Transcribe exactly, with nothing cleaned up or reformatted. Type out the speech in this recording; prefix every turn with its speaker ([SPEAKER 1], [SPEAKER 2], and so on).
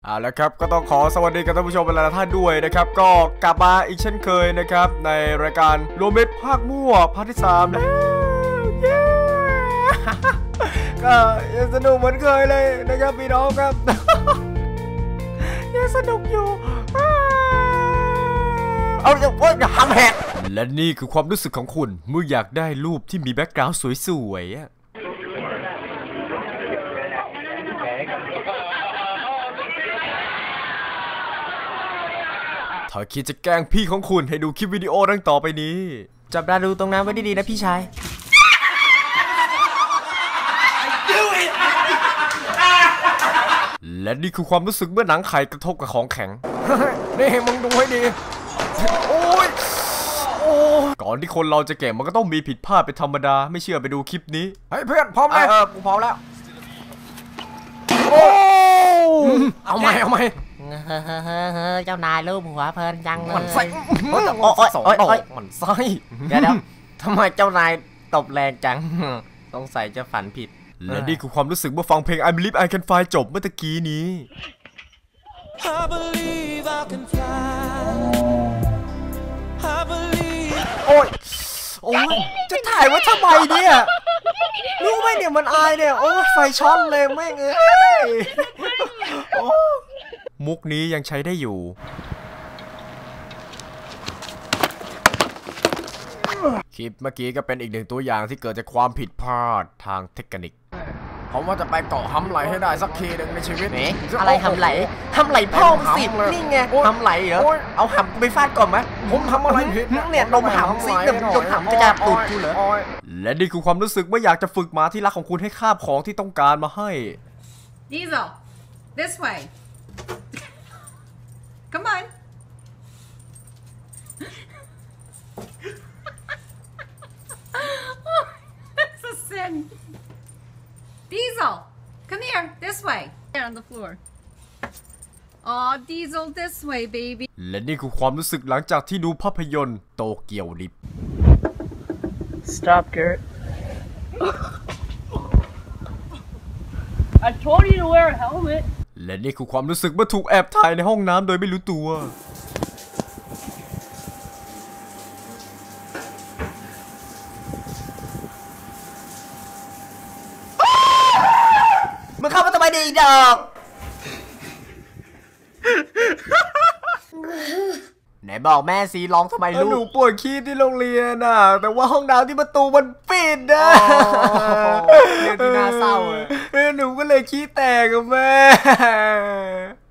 [SPEAKER 1] เอาละครับก็ต้องขอสวัสดีกับท่านผู้ชมเป็นหลายท่านด้วยนะครับก็กลับมาอีกเช่นเคยนะครับในรายการรวมมิตรภาคมั่วภาคที่สามแล้วเย้ก็ยังสนุกเหมือนเคยเลยนะครับพี่น้องครับยังสนุกอยู่เอาอย่าโอ๊ยอย่าทำแหกและนี่คือความรู้สึกของคุณเมื่ออยากได้รูปที่มีแบ็คกราวด์สวยๆถ้าคิดจะแกล้งพี่ของคุณให้ดูคลิปวิดีโอดังต่อไปนี้จับตาดูตรงนั้นไว้ดีๆนะพี่ชายและนี่คือความรู้สึกเมื่อหนังไข่กระทบกับของแข็งนี่มึงดูให้ดีโอ้ยโอ้ก่อนที่คนเราจะเก่งมันก็ต้องมีผิดพลาดเป็นธรรมดาไม่เชื่อไปดูคลิปนี้เฮ้ยเพื่อนพร้อมไหมเออกูพร้อมแล้วโอ้เอาไหมเอาไหม
[SPEAKER 2] เจ้านายรูปหัวเพลินจังเลย
[SPEAKER 1] มันไส้โอ้ยโอ้ยโอ้ยมันไส้
[SPEAKER 2] เดี๋ยวทำไมเจ้านายตบแรงจังสงสัยจะฝันผิด
[SPEAKER 1] และนี่คือความรู้สึกเมื่อฟังเพลง I Believe I Can Fly จบเมื่อตะกี้นี้โอ้ยโอ้ยจะถ่ายไว้ทำไมเนี่ยรู้ไหมเนี่ยมันอายเนี่ยโอ้ยไฟช็อตเลยแม่งเอ้ยมุกนี้ยังใช้ได้อยู่คลิปเมื่อกี้ก็เป็นอีกหนึ่งตัวอย่างที่เกิดจากความผิดพลาดทางเทคนิคผมว่าจะไปเกาะฮัมไหลให้ได้สักทีหนึ่งในชีวิต
[SPEAKER 2] เอ๊ะอะไรฮัมไหลฮัมไหลพ่อมสินี่ไงฮัมไหลเหรอเอาฮัมไปฟาดก่อนไหม
[SPEAKER 1] ผมทำอะไรผิด
[SPEAKER 2] เนี่ยดมฮัมสิดมดมฮัมจะจับตูดกูเหรอ
[SPEAKER 1] และนี่คือความรู้สึกเมื่ออยากจะฝึกหมาที่รักของคุณให้คาบของที่ต้องการมาให้
[SPEAKER 3] Diesel this way come on that's a sin Diesel come here this way on the floor oh Diesel this way baby
[SPEAKER 1] และนี่คือความรู้สึกหลังจากที่ดูภาพยนตร์โตเกียวดิฟ
[SPEAKER 4] Stop Garrett I told you to wear a helmet
[SPEAKER 1] และนี่คือความรู้สึกเมื่อถูกแอบถ่ายในห้องน้ำโดยไม่รู้ตัว
[SPEAKER 2] มึงเข้ามาทำไมดีดอกไหนบอกแม่ซีร้องทำไมลูก
[SPEAKER 1] หนูปวดขี้ที่โรงเรียนน่ะแต่ว่าห้องน้ำที่ประตูมันปิดนะ
[SPEAKER 2] เรื่องที่น่าเศร้าเลย
[SPEAKER 1] หนูก็เลยขี้แตกกับแม่